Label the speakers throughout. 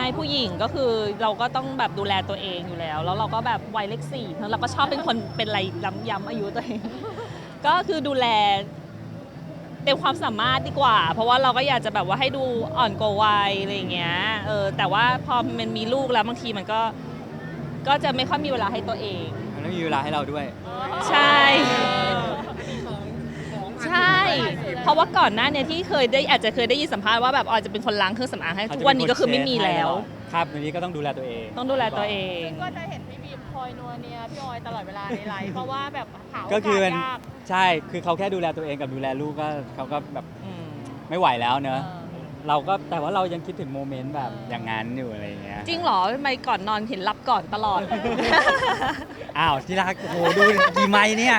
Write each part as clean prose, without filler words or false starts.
Speaker 1: ผู้หญิงก็คือเราก็ต้องแบบดูแลตัวเองอยู่แล้วแล้วเราก็แบบวัยเลขสี่เราก็ชอบเป็นคนเป็นอะไรย้ำอายุตัวเอง ก็คือดูแลเต็มความสามารถดีกว่า เพราะว่าเราก็อยากจะแบบว่าให้ดูอ่อนกว่าวัยอะไรอย่างเงี้ยแต่ว่าพอมันมีลูกแล้วบางทีมันก็จะไม่ค่อยมีเวลาให้ตัวเอง
Speaker 2: มันไม่มีเวลาให้เราด้วย
Speaker 1: ใช่ ใช่ เพราะว่าก่อนหน้าเนี่ยที่อาจจะเคยได้ยินสัมภาษณ์ว่าแบบออยจะเป็นคนล้างเครื่องสำอางให้ทุกวันนี้ก็คือไม่มีแล้ว
Speaker 2: ครับวันนี้ก็ต้องดูแลตัวเอง
Speaker 1: ต้องดูแลตัวเอง
Speaker 3: ก็จะเห็นพี่บีมคอยนัวเนียพี่ออยตลอดเวลาในไลฟ์เพราะว่าแบบหาโอ
Speaker 2: ก็คื
Speaker 3: กา
Speaker 2: อ
Speaker 3: ส
Speaker 2: มัน
Speaker 3: ยาก
Speaker 2: ใช่คือเขาแค่ดูแลตัวเองกับดูแลลูกก็เขาก็แบบ
Speaker 1: อืม
Speaker 2: ไม่ไหวแล้วเนอะ
Speaker 3: เออ
Speaker 2: เราก็แต่ว่าเรายังคิดถึงโมเมนต์แบบอย่างนั้นอยู่อะไรอย่างเงี้ย
Speaker 1: จริงเหรอทำไมก่อนนอนเห็นรับก่อนตลอด
Speaker 2: อ้าวที่รักโอ้โหดูกี่ไม้เนี่ย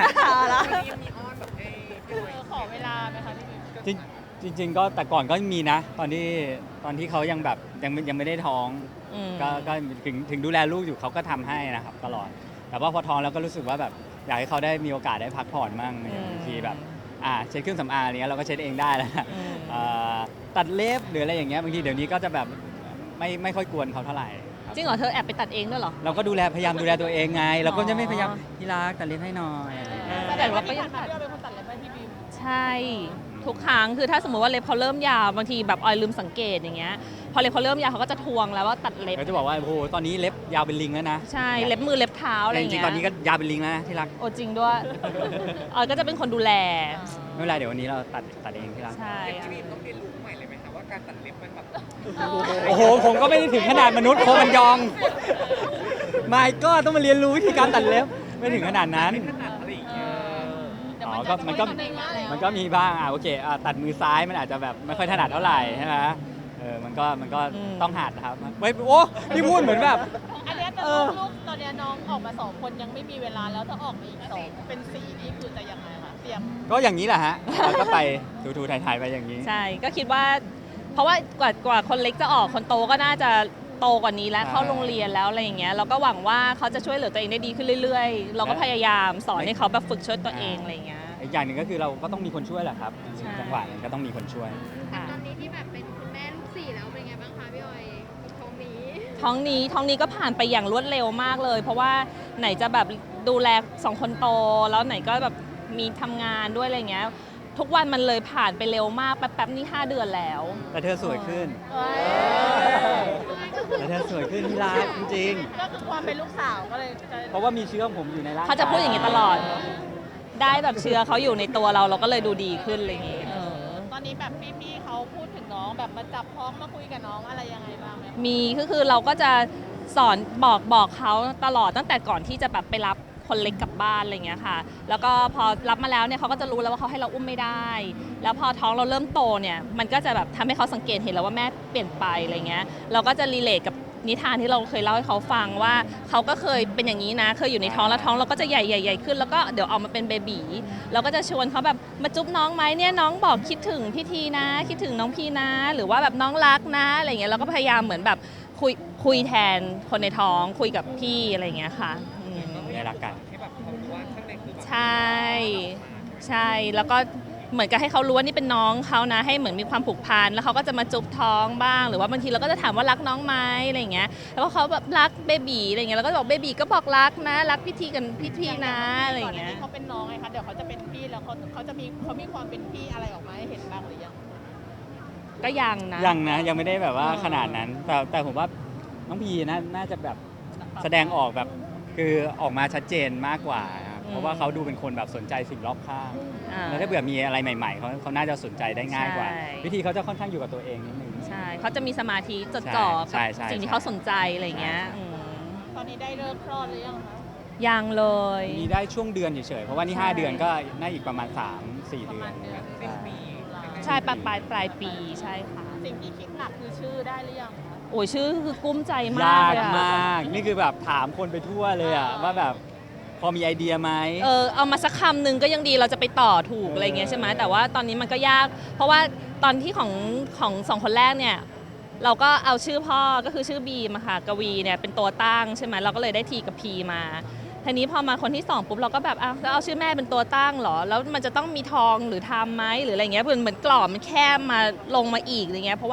Speaker 3: ขอเวลาไหมคะพี่บีม
Speaker 2: จริงๆก็แต่ก่อนก็มีนะ ตอนที่เขายังแบบยังไม่ได้ท้อง
Speaker 1: อืม
Speaker 2: ก็ถึงดูแลลูกอยู่เขาก็ทำให้นะครับตลอด แต่ว่าพอท้องแล้วก็รู้สึกว่าแบบอยากให้เขาได้มีโอกาสได้พักผ่อนมั่งอย่างบางทีแบบเช็ดเครื่องสำอางอะไรเงี้ยเราก็เช็ดเองได้แล้วนะ
Speaker 1: อืม
Speaker 2: ตัดเล็บหรืออะไรอย่างเงี้ยบางทีเดี๋ยวนี้ก็จะแบบไม่ค่อยกวนเขาเท่าไหร่คบ
Speaker 1: จริงเหรอเธอแอบไปตัดเองด้วยเหรอ
Speaker 2: เราก็พยายามดูแลตัวเองไง เราก็จะไม่
Speaker 1: อ๋อ
Speaker 2: พยายามที่รักตัดเล็บให้หน่อยอะไรอย่างเงี้ย
Speaker 3: แสดงว่าที่ผ่านมาพี่ออยเป็นคนตัดเล็บให้พี่บีม
Speaker 1: ใช่ ทุกครั้งคือถ้าสมมติว่าเล็บเขาเริ่มยาวบางทีแบบออยลืมสังเกตอย่างเงี้ยพอเล็บเขาเริ่มยาวเขาก็จะทวงแล้วว่าตัดเล็บ
Speaker 2: เขาจะบอกว่าโอ้โหตอนนี้เล็บยาวเป็นลิงแล้วนะ
Speaker 1: ใช่เล็บมือเล็บเท้าอะไร
Speaker 2: แต่
Speaker 1: อ
Speaker 2: จ
Speaker 1: ย่าง
Speaker 2: ริ
Speaker 1: เงี้
Speaker 2: ง
Speaker 1: ย
Speaker 2: ๆตอนนี้ก็ยาวเป็นลิงแล้วนะที่รัก
Speaker 1: โอ้จริงด้วย ออยก็จะเป็นคนดูแล
Speaker 2: ไม่เป็นไรเดี๋ยววันนี้เราตัดเองที่รัก
Speaker 1: ใช่
Speaker 4: พี่บีมต้องเรียนรู้ใหม่เลยไหมคะว่าการตัดเล็บมันแบบ
Speaker 2: โอ้โหผมก็ไม่ได้ถึงขนาดมนุษย์โคมันยองไม่ก็ต้องมาเรียนรู้วิธีการตัดเล็บไม่ถึงขนาดนั้น
Speaker 4: ขนาดอะไรอย่างเงี้ย
Speaker 3: แต่
Speaker 2: อ๋อ
Speaker 3: มัน
Speaker 2: ก็
Speaker 3: จะทำเองมาแล้ว
Speaker 2: มันก็มีบ้างโอเคตัดมือซ้ายมันอาจจะแบบไม่ค่อยถนัดเท่าไหร่ใช่ไหมมันก็ต้องหัดนะครับไม่โอ้พี่พูดเหมือนแบบ
Speaker 3: อันเนี้ยแต่ลูกตอนเนี้ยน้องออกมา2 คนยังไม่มีเวลาแล้วถ้าออกมาอีก2เป็น4นี่คือจะยังไงคะเตรียม
Speaker 2: ก็อย่างนี้แหละฮะเราก็ไปทูๆถ่ายๆไปอย่างนี้
Speaker 1: ใช่ก็คิดว่า เพราะว่ากว่าคนเล็กจะออกคนโตก็น่าจะโตกว่านี้แล้ว
Speaker 2: ใช่
Speaker 1: เข้าโรงเรียนแล้วอะไรอย่างเงี้ยเราก็หวังว่าเขาจะช่วยเหลือตัวเองได้ดีขึ้นเรื่อยๆ เราก็พยายามสอนให้เขาแบบฝึกช่วยตัวเองอะไรอย่างเงี้ย
Speaker 2: อีกอย่างหนึ่งก็คือเราก็ต้องมีคนช่วยแหละครับ
Speaker 1: ใช่
Speaker 2: จังหวะนั้นก็ต้องมีคนช่วย
Speaker 1: ค่ะ
Speaker 5: ตอนนี้ที่แบบเป็นคุณแม่ลูก4แล้วเป็นไงบ้างคะพี่ออยกับท้องนี้
Speaker 1: ท้องนี้ก็ผ่านไปอย่างรวดเร็วมากเลย เพราะว่าไหนจะแบบดูแล2 คนโต แล้วไหนก็แบบมีทำงานด้วยอะไรเงี้ยทุกวันมันเลยผ่านไปเร็วมากแป๊บๆนี่5 เดือนแล้ว
Speaker 2: แต่เธอสวยขึ้น
Speaker 3: เอ้ย
Speaker 2: แต่เธอสวยขึ้นที่รักจริง
Speaker 3: ก็คือความเป็นลูกสาวก็เลยจะ
Speaker 2: ๆ เพราะว่ามีเชื้อของผมอยู่ในร่างกาย
Speaker 1: เขาจะพูดอย่างนี้ตลอด ได้แบบเชื้อเขาอยู่ในตัวเราก็เลยดูดีขึ้นอะไรอย่างงี้
Speaker 3: ตอนนี้แบบพี่ๆเขาพูดถึงน้องแบบมาจับพ้องมาคุยกับน้องอะไรยังไงบ้างไหมคะ
Speaker 1: มีก็คือเราก็จะสอนบอกเขาตลอดตั้งแต่ก่อนที่จะแบบไปรับคนเล็กกลับบ้านอะไรอย่างเงี้ยค่ะ แล้วก็พอรับมาแล้วเนี่ยเขาก็จะรู้แล้วว่าเขาให้เราอุ้มไม่ได้ แล้วพอท้องเราเริ่มโตเนี่ยมันก็จะแบบทำให้เขาสังเกตเห็นแล้วว่าแม่เปลี่ยนไปอะไรเงี้ยเราก็จะรีเลทกับนิทานที่เราเคยเล่าให้เขาฟังว่าเขาก็เคยเป็นอย่างนี้นะเคยอยู่ในท้องแล้วท้องเราก็จะใหญ่ขึ้นแล้วก็เดี๋ยวออกมาเป็นเบบีเราก็จะชวนเขาแบบมาจุ๊บน้องไหมเนี่ยน้องบอกคิดถึงพี่ทีนะคิดถึงน้องพี่นะ หรือว่าแบบน้องรักนะอะไรเงี้ยเราก็พยายามเหมือนแบบคุยแทนคนในท้องคุยกับพี่อะไรเงี้ยค่ะอืม
Speaker 2: ได้รักกัน
Speaker 4: ให้แบบเขารู้ว่าข้างในคือแบบ
Speaker 1: ใช่ใช่แล้วก็เหมือนกับให้เขารู้ว่านี่เป็นน้องเขานะให้เหมือนมีความผูกพันแล้วเขาก็จะมาจุ๊บท้องบ้าง หรือว่าบางทีเราก็จะถามว่ารักน้องไหมอะไรอย่างเงี้ยแล้วพอเขาแบบรักเบบีอะไรอย่างเงี้ยเราก็จะบอกเบบีก็บอกรักนะรักพี่ทีกันพี่ทีนะอะไรอย่างเงี้ย
Speaker 3: ก่นหน้นี้เขาเป็นน้องไงคะเดี๋ยวเขาจะเป็นพี่แล้วเขาจะมีความเป็นพี่อะไรออกมาให้เห็นบ้างหรือยัง
Speaker 1: ก็ยังนะ
Speaker 2: ยังไม่ได้แบบว่า
Speaker 1: อ๋อ
Speaker 2: ขนาดนั้น แต่ผมว่าน้องพีน่าจะแบบแสดงออกแบบคือออกมาชัดเจนมากกว่าครับเพราะว่าเขาดูเป็นคนแบบสนใจสิ่งรอบข้าง
Speaker 1: อ่า
Speaker 2: แล้วถ้าเผื่อมีอะไรใหม่ๆเขาน่าจะสนใจได้ง่ายกว่า
Speaker 1: ใช่
Speaker 2: วิธีเขาจะค่อนข้างอยู่กับตัวเองนิดนึง
Speaker 1: ใช่เขาจะมีสมาธิจดจ่อ
Speaker 2: ใช่
Speaker 1: กับ
Speaker 2: ใช่
Speaker 1: สิ่งที่
Speaker 2: ใช่
Speaker 1: เขาสนใจอะไรอย่างเงี้ย
Speaker 2: ใช่
Speaker 1: อืม
Speaker 3: ตอนนี้ได้เลิกคลอดหรือยังคะ
Speaker 1: ยังเลย
Speaker 2: มีได้ช่วงเดือนเฉยๆเพราะว่านี่
Speaker 1: ใช่
Speaker 2: 5 เดือนก็น่าอีกประมาณ 3-4 เดือน
Speaker 4: สิ้นปี
Speaker 1: ใช่ปลายปีใช่ค่ะ
Speaker 3: สิ่งที่คิดหนักคือชื่อได้หรือยังคะ
Speaker 1: โอ้ยชื่อคือกุ้มใจมาย
Speaker 2: าก ก
Speaker 1: เลยอะ
Speaker 2: มาก นี่คือแบบถามคนไปทั่วเลยอะว่าแบบพอมีไอเดียไหม
Speaker 1: เอามาสักคำหนึ่งก็ยังดีเราจะไปต่อถูกอะไรเงี้ยใช่ไหมแต่ว่าตอนนี้มันก็ยาก เพราะว่าตอนที่ของสองคนแรกเนี่ยเราก็เอาชื่อพ่อก็คือชื่อบีมอะค่ะกวีเนี่ยเป็นตัวตั้งใช่ไหมเราก็เลยได้ทีกับพีมาทีนี้พอมาคนที่2ปุ๊บเราก็แบบแล้วเอาชื่อแม่เป็นตัวตั้งเหรอแล้วมันจะต้องมีทองหรือทำไหมหรืออะไรเงี้ยเหมือนกรอบมันแคบมาลงมาอีกอะไรเงี้ยเพราะว่า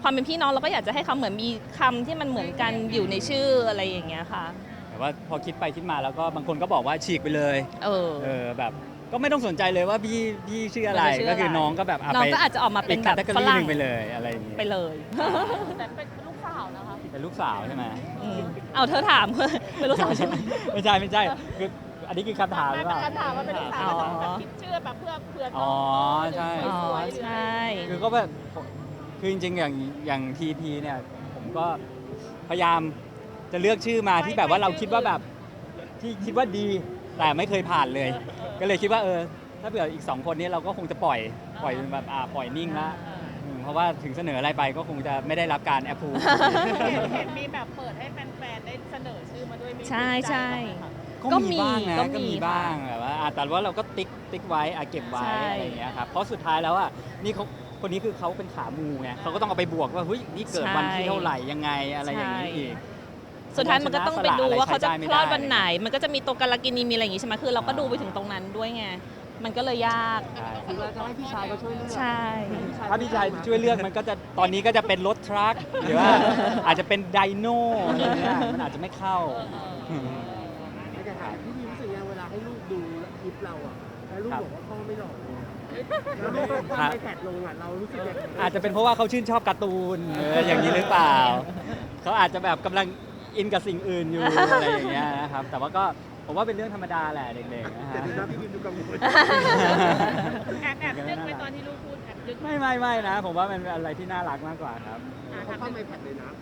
Speaker 1: ความเป็นพี่น้องเราก็อยากจะให้เขาเหมือนมีคำที่มันเหมือนกันอยู่ในชื่ออะไรอย่างเงี้ยค่ะ
Speaker 2: แต่ว่าพอคิดไปคิดมาแล้วก็บางคนก็บอกว่าฉีกไปเลย
Speaker 1: เออ
Speaker 2: แบบก็ไม่ต้องสนใจเลยว่าพี่ชื่ออะไร
Speaker 1: มันจะชื่ออะไร
Speaker 2: ก็คือน้องก็แบบ
Speaker 1: น้องก็อาจจะออกมาเป็นแบบ
Speaker 2: อีก
Speaker 1: ฝ
Speaker 2: category ห
Speaker 1: รั่ง
Speaker 2: นึ่งไปเลยอะไรอย่างงี้
Speaker 1: ไปเลย
Speaker 3: แต่เป็นลูกสาวนะคะ
Speaker 2: เป็นลูกสาวใช่ไหม
Speaker 1: เอาเธอถาม เป็นลูกสาวใช่ไหม
Speaker 2: ไม่ใช่คืออันนี้คือคำถามห
Speaker 3: ไม่
Speaker 2: รือเป
Speaker 3: เป็น
Speaker 2: ล่า
Speaker 3: การถามว่าเป็นลูกสาว
Speaker 1: อ๋อ
Speaker 3: แต่คิดชื่อแบบเพื่อ
Speaker 2: อ๋อใช่
Speaker 1: อ๋อ
Speaker 3: สวยๆหรือ
Speaker 1: ใช่
Speaker 2: คือก็แบบคือจริงๆอย่างทีพีเนี่ยผมก็พยายามจะเลือกชื่อมาที่แบบว่าเราคิดว่าแบบที่คิดว่าดีแต่ไม่เคยผ่านเลย ก็เลยคิดว่าถ้าเผื่ออีก 2 คนนี้เราก็คงจะปล่อยแบบปล่อยนิ่งละเพราะว่าถึงเสนออะไรไปก็คงจะไม่ได้รับการแอปพู
Speaker 3: เห็นมีแบบเปิดให้แฟนๆได้เสนอชื่อมาด้วยมี
Speaker 1: ใช่ใช่
Speaker 2: ก็มีบ้างนะ
Speaker 1: ก็
Speaker 2: ก็
Speaker 1: มี
Speaker 2: มีบ้างแบบว่าแต่ว่าเราก็ติ๊กไว้เก็บไว้
Speaker 1: ใช่
Speaker 2: อะไรอย่างเงี้ยครับเพราะสุดท้ายแล้วนี่คนนี้คือเขาเป็นขามูไงเขาก็ต้องเอาไปบวกว่าเฮ้ยนี่เกิดวันที่เท่าไหร่ยังไงอะไรอย่างนี้อีก
Speaker 1: สุดท้ายมันก็ต้องไปดูว่าเขาจะ
Speaker 2: ชนะสละอะไรใช้ได้ไม่
Speaker 1: คลอด
Speaker 2: ได้
Speaker 1: วันไหน มันก็จะมีตัวกาลกินีมีอะไรอย่างงี้ใช่ไหมคือเราก็ดูไปถึงตรงนั้นด้วยไง มันก็เลยยาก
Speaker 2: ใช่
Speaker 6: คือเราจะให้พี่ชายเขาช่วยเลือก
Speaker 1: ใช่
Speaker 2: ถ้าพี่ชายช่วยเลือกมันก็จะตอนนี้ก็จะเป็นรถทรัคหรือว่าอาจจะเป็นไดโน่อะไรเงี้ยมันอาจจะไม่เข้า
Speaker 6: ไม่ใช่ค่ะพี่รู้สึกยังเวลาให้ลูกดูคลิปเราอ่ะแล้วลูกบอกว่าพ่อไม่หล่อเลยแล้วลูกก็ทำไปแท็กลงอ่ะเรารู้สึกยังไง
Speaker 2: อาจจะเป็นเพราะว่าเขาชื่นชอบการ์ตูนอย่างนี้หรือเปล่า เขาอาจจะแบบกำลังอินกับสิ่งอื่นอยู่ อะไรอย่างเงี้ยนะครับ แต่ว่าก็ผมว่าเป็นเรื่องธรรมดาแหละเด็กๆนะ
Speaker 6: แต่
Speaker 2: ฮะ
Speaker 6: ดูนะพี่บิมดูกังวล
Speaker 3: แอบนึกไปตอนที่ลูกพูดแอบนึก
Speaker 2: ไม่นะ ผมว่ามันเป็นอะไรที่น่ารักมากกว่าครับ
Speaker 6: เขาเข้าไอแพดเลยนะ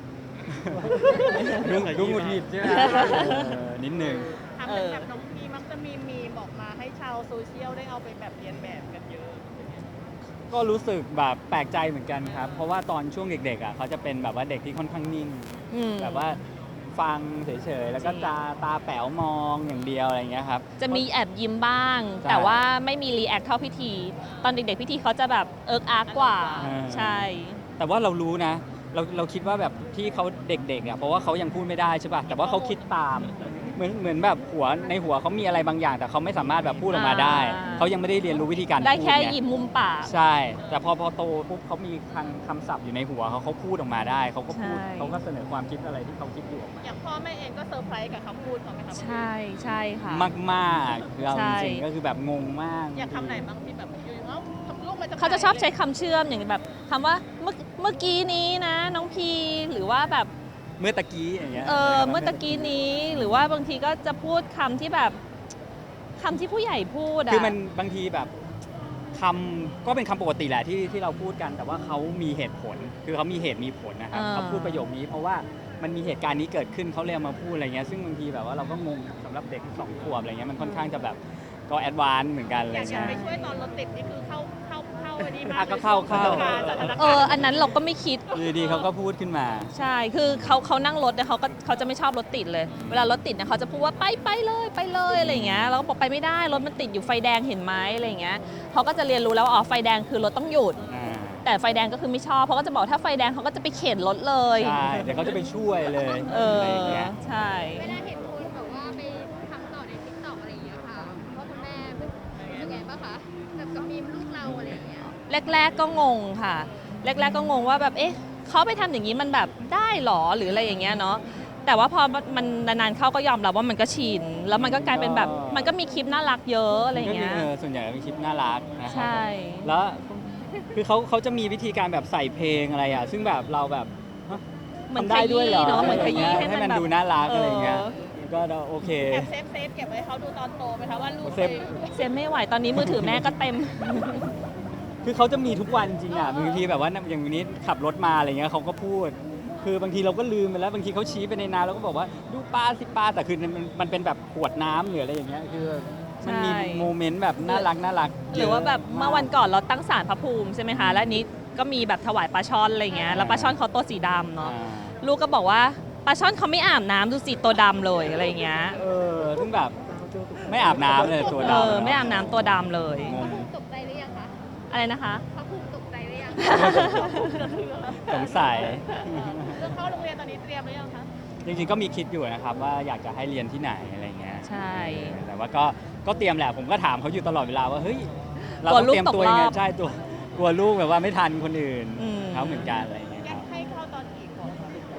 Speaker 2: ดูหงุดหงิดใช่ไหมนิดหนึ่ง
Speaker 3: ทำเป็นแบบน้องพีมักจะมีมีบอกมาให้ชาวโซเชียลได้เอาไปแบบเรียนแบบกันเยอะ
Speaker 2: ก็รู้สึกแบบแปลกใจเหมือนกันครับ เพราะว่าตอนช่วงเด็กๆอ่ะเขาจะเป็นแบบว่าเด็กที่ค่อนข้างนิ่ง แบบว่าฟังเฉยๆ แล้วก็ตาแป๋วมองอย่างเดียวอะไรอย่างเงี้ยครับ
Speaker 1: จะมีแอบยิ้มบ้าง
Speaker 2: ใช่
Speaker 1: แต่ว่าไม่มีรีแอคเท่าพิธี ตอนเด็กๆพิธีเขาจะแบบเอิกอาร์กกว่า ใช่
Speaker 2: แต่ว่าเรารู้นะ เราคิดว่าแบบที่เขาเด็กๆอ่ะเพราะว่าเขายังพูดไม่ได้ใช่ป่ะแต่ว่าเขาคิดตามเหมือนแบบในหัวเขามีอะไรบางอย่าง แต่เขาไม่สามารถแบบพูดออกมาได้ เขายังไม่ได้เรียนรู้วิธีการพูด
Speaker 1: ได้แค่
Speaker 2: ไง
Speaker 1: ยิ้มมุมปาก
Speaker 2: ใช่ แต่พอโตปุ๊บเขามีคำศัพท์อยู่ในหัวเขาพูดออกมาได้เขาก็พูด
Speaker 1: ใช่
Speaker 2: เขาก็เสนอความคิดอะไรที่เขาคิดอยู่ออกมา
Speaker 3: อย่างพ่อแม่เองก็เซอร์ไพรส์กับคำพูดของไหมคะ
Speaker 1: ใช่ใช่ค่ะ
Speaker 2: มากๆคือเอา
Speaker 1: ใช่
Speaker 2: จริงๆก็คือแบบงงมาก
Speaker 3: อยากคำไหนบ้างที่แบบอยู่ๆเอ้าลูกมาจากไหน
Speaker 1: เขาจะชอบใช้คำเชื่อมอย่างแบบคำว่าเมื่อกี้นี้นะน้องพีหรือว่าแบบ
Speaker 2: เมื่อตะกี้อย่างเงี้ย
Speaker 1: เมื่อตะกี้นี้หรือว่าบางทีก็จะพูดคำที่แบบคำที่ผู้ใหญ่พูดอะ
Speaker 2: คือมันบางทีแบบคำก็เป็นคำปกติแหละที่เราพูดกัน แต่ว่าเขามีเหตุผล คือเขามีเหตุมีผลนะครับเขาพูดประโยคนี้เพราะว่ามันมีเหตุการณ์นี้เกิดขึ้นเขาเลยเอามาพูดอะไรเงี้ยซึ่งบางทีแบบว่าเราก็งงสำหรับเด็ก2 ขวบอะไรเงี้ยมันค่อนข้างจะแบบก็แอดวานซ์เหมือนกันอะไร
Speaker 3: อยาก
Speaker 2: เงี้ย
Speaker 3: ไปช่วยตอนรถติดนี่คือเข้าอันนี้มา
Speaker 2: อ่ะก็เข้า
Speaker 3: สถานการณ์
Speaker 1: อันนั้นเราก็ไม่คิด
Speaker 2: อยู่ดีๆเขาก็พูดขึ้นมา
Speaker 1: ใช่ คือเขานั่งรถเนี่ยเขาจะไม่ชอบรถติดเลย เวลารถติดเนี่ยเขาจะพูดว่าไปเลยอะไรอย่างเงี้ย เราก็บอกไปไม่ได้ รถมันติดอยู่ไฟแดงเห็นไหมอะไรอย่างเงี้ยเขาก็จะเรียนรู้แล้วว่าอ๋อไฟแดงคือรถต้องหยุด แต่ไฟแดงก็คือไม่ชอบเขาก็จะบอกถ้าไฟแดงเขาก็จะไปเข็นรถเลย
Speaker 2: ใช่ เดี๋ยวเขาจะไปช่วยเลย อะไรอย่างเงี้ย
Speaker 1: ใช่
Speaker 5: เวลาเห็นคนแบบว่าไปทำต่อในทิกตอกอะไรอย่างเงี้ยค่ะพ่อคุณแม่รู้สึกไงบ้างคะแบบกับมีมลูกเราอะไรอย่างเงี้ย
Speaker 1: แรกๆก็งงค่ะ แรกๆก็งงว่าแบบเอ๊ะเขาไปทำอย่างนี้มันแบบได้หรอหรืออะไรอย่างเงี้ยเนาะแต่ว่าพอมันนานๆเข้าก็ยอมรับว่ามันก็ชินแล้วมันก็กลายเป็นแบบมันก็มีคลิปน่ารักเยอะอะไรอย่างเงี้ย
Speaker 2: ส่วนใหญ่เป็นคลิปน่ารักนะครั
Speaker 1: ใช่
Speaker 2: แล้วคือเขาจะมีวิธีการแบบใส่เพลงอะไรอ่ะซึ่งแบบเราแบบฮะ
Speaker 1: เหมือน
Speaker 2: ทำได้ด้วยเหรอ
Speaker 1: ขยี้เนอะเหมือนขยี้
Speaker 2: ให้มัน
Speaker 1: แบบ
Speaker 2: ดูน่ารักอะไรอย่างเงี้ยก็โอเค
Speaker 3: แอบเซฟเก็บไว้เขาดูตอนโตไหมคะว่าลูก
Speaker 2: เซฟ
Speaker 1: เซฟไม่ไหวตอนนี้มือถือแม่ก็เต็ม
Speaker 2: คือเขาจะมีทุกวันจริงอ่ะบางทีแบบว่าอย่างวันนี้ขับรถมาอะไรเงี้ยเขาก็พูด คือบางทีเราก็ลืมไปแล้วบางทีเขาชี้ไปในน้ำเราก็บอกว่าดูปลาสิปลาแต่คือมันเป็นแบบขวดน้ำหรืออะไรอย่างเงี้ยคือมันมี
Speaker 1: ใช่
Speaker 2: โมเมนต์แบบน่ารัก
Speaker 1: หรือว่าแบบเมื่อวันก่อนเราตั้งศาลพระภูมิใช่ไหมคะแล้วอันนี้ก็มีแบบถวายปลาช่อนอะไรเงี้ยแล้วปลาช่อนเขาตัวสีดำเนาะลูกก็บอกว่าปลาช่อนเขาไม่อาบน้ำดูสิตัวดำเลยอะไรเงี้ย
Speaker 2: ซึ่งแบบไม่อาบน้ำเลยตัวดำ
Speaker 1: ไม่อาบน้ำตัวดำเลย
Speaker 2: ง
Speaker 5: พระ
Speaker 2: ง
Speaker 5: ภูมิตกใจหรือยังคะ
Speaker 1: อะไรนะคะ
Speaker 5: พระภูมิตกใจหรือยัง
Speaker 2: สงสัย
Speaker 3: เรื่องเข้าโรงเรียนตอนนี้เตรียมหรือยังคะ
Speaker 2: จริงๆก็มีคิดอยู่นะครับว่าอยากจะให้เรียนที่ไหนอะไรเงี้ย
Speaker 1: ใช่
Speaker 2: แต่ว่าก็เตรียมแหละผมก็ถามเขาอยู่ตลอดเวลาว่าเฮ้ยเรา
Speaker 1: กลัว
Speaker 2: ต้อง
Speaker 1: ลูก
Speaker 2: เตรียมตัวยังไง
Speaker 1: ตกรอบ
Speaker 2: ใช่ตัวกลัวลูกแบบว่าไม่ทันคนอื่น
Speaker 1: อืม
Speaker 2: เขาเหมือนกันอะไรเงี้ย
Speaker 3: อ
Speaker 2: ค
Speaker 3: ยา
Speaker 2: รั
Speaker 3: ก
Speaker 2: บ
Speaker 3: ให้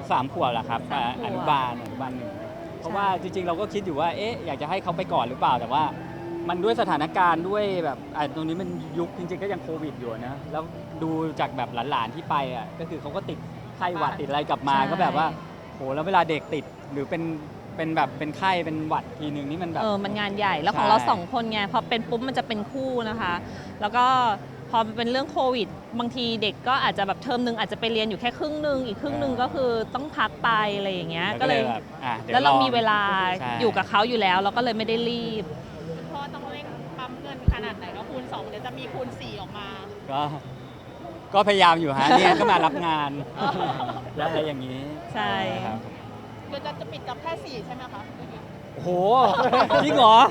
Speaker 2: 3 ขวบแหละครับ
Speaker 1: 3 ขวบ
Speaker 2: อนุบาลหนึ่งเพราะว่าจริงๆเราก็คิดอยู่ว่าเอ๊ะอยากจะให้เขาไปก่อนหรือเปล่าแต่ว่า มันด้วยสถานการณ์ด้วยแบบตรงนี้มันยุคจริงๆก็ยังโควิดอยู่นะแล้วดูจากแบบหลานๆที่ไปอ่ะก็คือเขาก็ติดไข้หวัดติดอะไรกลับมาก็แบบว่าโหแล้วเวลาเด็กติดหรือเป็นแบบเป็นไข้เป็นหวัดทีนึงนี่มันแบบ
Speaker 1: มันงานใหญ่แล้วของ
Speaker 2: ใช่
Speaker 1: เรา2 คนไงพอเป็นปุ๊บมันจะเป็นคู่นะคะ แล้วก็พอเป็นเรื่องโควิด บางทีเด็กก็อาจจะแบบเทอมนึงอาจจะไปเรียนอยู่แค่ครึ่งนึงอีกครึ่งนึงก็คือต้องพักไปอะไรอย่างเงี้ยก็เลย
Speaker 2: แบบดี๋ย
Speaker 1: แล้วเรา
Speaker 2: อง
Speaker 1: มีเวลา
Speaker 2: ใช่
Speaker 1: อยู่กับเขาอยู่แล้วเราก็เลยไม่ได้รีบ
Speaker 3: คุณพ่อต้องเร่งปั๊มเงินขนาดไหนก็คูณ 2 เดี๋ยวจะมีคูณ 4 ออกมา
Speaker 2: ก็พยายามอยู่ฮะเนี่ยก็มารับงานและอะไรอย่างนี้
Speaker 1: ใช่
Speaker 2: ครับ
Speaker 3: เดี๋ยวจะปิดกับแค่ 4 ใช่ไหมคะ
Speaker 2: โอ้โหจริงเหรอ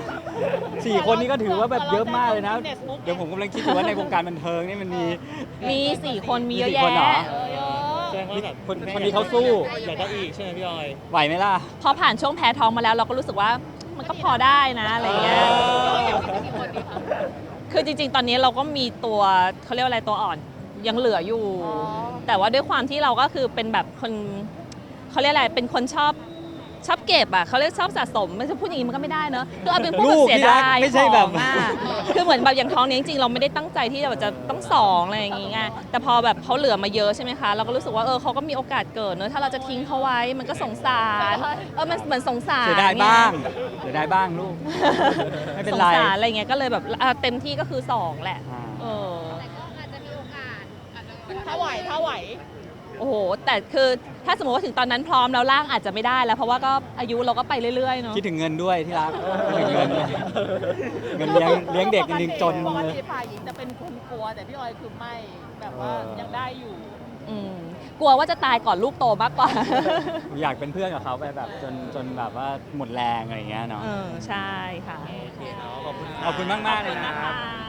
Speaker 2: 4 คนนี้ก็ถือว่าแบบเยอะมากเลยนะ เดี๋ยวผมกำลังคิดอยู่ว่าในวงการบันเทิงนี่มันมี
Speaker 1: มี4 คนมีเยอะ
Speaker 2: มี4 คนเหรอ
Speaker 1: แยะ
Speaker 3: เยอะ
Speaker 7: แสดงว่าแบบ
Speaker 2: คนนี้เขาสู้
Speaker 7: อยากได้อีกใช่ไหมพี่ออย
Speaker 2: ไหวไหมล่ะ
Speaker 1: พอผ่านช่วงแพ้ท้องมาแล้วเราก็รู้สึกว่ามันก็พอได้นะอะไรอย่างเงี้ย
Speaker 3: กี่คนดีคะ
Speaker 1: คือจริงๆ ตอนนี้เราก็มีตัวเขาเรียกว่าอะไรตัวอ่อนยังเหลืออยู่
Speaker 3: อ๋อ
Speaker 1: แต่ว่าด้วยความที่เราก็คือเป็นแบบคนเขาเรียกอะไรเป็นคนชอบเก็บอ่ะเขาเรียกชอบสะสมไม่ใช่พูดอย่างนี้มันก็ไม่ได้เนอะคือเอาเป็นพวก
Speaker 2: ลู
Speaker 1: แบบ
Speaker 2: ก
Speaker 1: เสีย
Speaker 2: ที่รัก
Speaker 1: ดาย
Speaker 2: ไม่ใช่แบบ
Speaker 1: ของอะคือเหมือนแบบอย่างท้องนี้จริงๆเราไม่ได้ตั้งใจที่จะต้อง2อะไรอย่างงี้ไงแต่พอแบบเขาเหลือมาเยอะใช่ไหมคะเราก็รู้สึกว่าเขาก็มีโอกาสเกิดเนอะถ้าเราจะทิ้งเขาไว้มันก็สงสารมันเหมือนสงสาร
Speaker 2: เสียดาย
Speaker 1: ไง
Speaker 2: บ้างเสียดายบ้างลูก ไม่เป็นไร
Speaker 1: สงสารอะไรเงี้ยก็เลยแบบเต็มที่ก็คือ2แหละ
Speaker 2: อ่า
Speaker 5: แต่ก็อาจจะมีโอกาส
Speaker 3: ถ้าไหว
Speaker 1: โอ้โหแต่คือถ้าสมมติว่าถึงตอนนั้นพร้อมแล้วร่างอาจจะไม่ได้แล้วเพราะว่าก็อายุเราก็ไปเรื่อยๆเนาะ
Speaker 2: คิดถึงเงินด้วยที่รักคิดถึงเงินด้วยเงินเลี้ยงเด็กจริงๆจน
Speaker 3: ปก
Speaker 2: เลย
Speaker 3: ติฝ่ายหญิงจะเป็นคนกลัวแต่พี่ออยคือไม่แบบว่ายังได้อยู่
Speaker 1: อืมกลัวว่าจะตายก่อนลูกโตมากกว่า
Speaker 2: อยากเป็นเพื่อนกับเขาไปแบบจนแบบว่าหมดแรงอะไรอย่างเงี้ยเนาะ
Speaker 1: ใช่ค่ะ
Speaker 7: โอเคเนาะขอบคุณ
Speaker 2: ขอบคุณมากๆเลยนะ
Speaker 1: ขอบคุณนะคะ